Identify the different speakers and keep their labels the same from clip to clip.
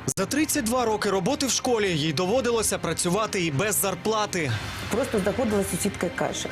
Speaker 1: За 32 роки роботи в школі їй доводилося працювати і без зарплати.
Speaker 2: Просто заходила сусідка і каже: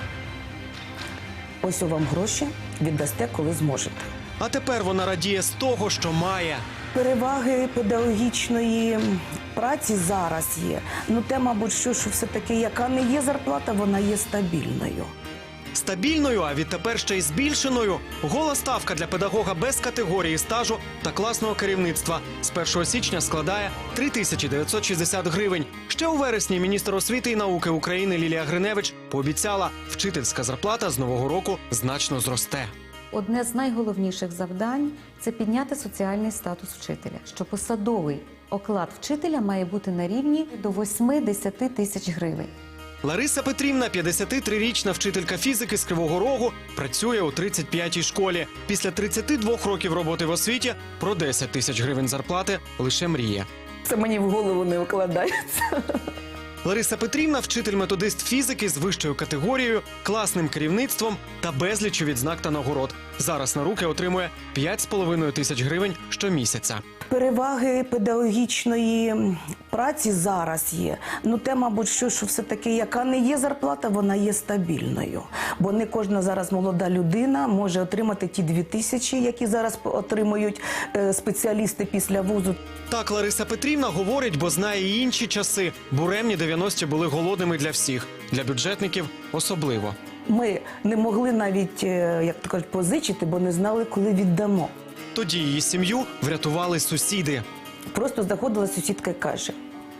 Speaker 2: ось вам гроші, віддасте, коли зможете.
Speaker 1: А тепер вона радіє з того, що має.
Speaker 2: Переваги педагогічної праці зараз є. Ну, те, мабуть, що все-таки, яка не є зарплата, вона є стабільною.
Speaker 1: Стабільною, а відтепер ще й збільшеною. Гола ставка для педагога без категорії стажу та класного керівництва з 1 січня складає 3960 гривень. Ще у вересні міністр освіти і науки України Лілія Гриневич пообіцяла, вчительська зарплата з нового року значно зросте.
Speaker 3: Одне з найголовніших завдань – це підняти соціальний статус вчителя, що посадовий оклад вчителя має бути на рівні до 8-10 тисяч гривень.
Speaker 1: Лариса Петрівна, 53-річна вчителька фізики з Кривого Рогу, працює у 35-й школі. Після 32 років роботи в освіті про 10 тисяч гривень зарплати лише мріє.
Speaker 2: Це мені в голову не вкладається.
Speaker 1: Лариса Петрівна – вчитель-методист фізики з вищою категорією, класним керівництвом та безліччю відзнак та нагород. Зараз на руки отримує 5,5 тисяч гривень щомісяця.
Speaker 2: Переваги педагогічної праці зараз є. Ну, те, мабуть, що все-таки, яка не є зарплата, вона є стабільною. Бо не кожна зараз молода людина може отримати ті 2000, які зараз отримують спеціалісти після вузу.
Speaker 1: Так Лариса Петрівна говорить, бо знає і інші часи. Буремні 90-ті були голодними для всіх. Для бюджетників особливо.
Speaker 2: Ми не могли навіть, як то кажуть, позичити, бо не знали, коли віддамо.
Speaker 1: Тоді її сім'ю врятували сусіди.
Speaker 2: Просто заходила сусідка і каже: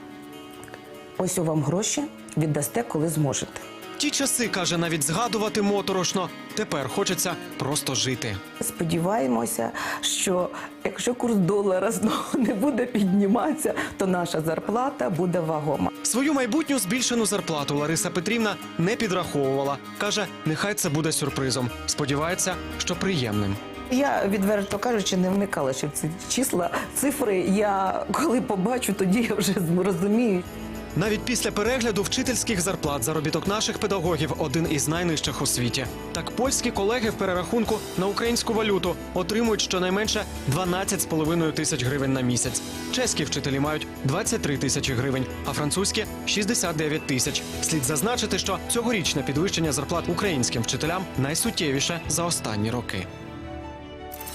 Speaker 2: ось вам гроші, віддасте, коли зможете.
Speaker 1: Ті часи, каже, навіть згадувати моторошно. Тепер хочеться просто жити.
Speaker 2: Сподіваємося, що якщо курс долара знову не буде підніматися, то наша зарплата буде вагома.
Speaker 1: Свою майбутню збільшену зарплату Лариса Петрівна не підраховувала. Каже, нехай це буде сюрпризом. Сподівається, що приємним.
Speaker 2: Я, відверто кажучи, не вникала ще в ці числа, цифри. Я коли побачу, тоді я вже розумію.
Speaker 1: Навіть після перегляду вчительських зарплат заробіток наших педагогів один із найнижчих у світі. Так польські колеги в перерахунку на українську валюту отримують щонайменше 12,5 тисяч гривень на місяць. Чеські вчителі мають 23 тисячі гривень, а французькі – 69 тисяч. Слід зазначити, що цьогорічне підвищення зарплат українським вчителям найсуттєвіше за останні роки.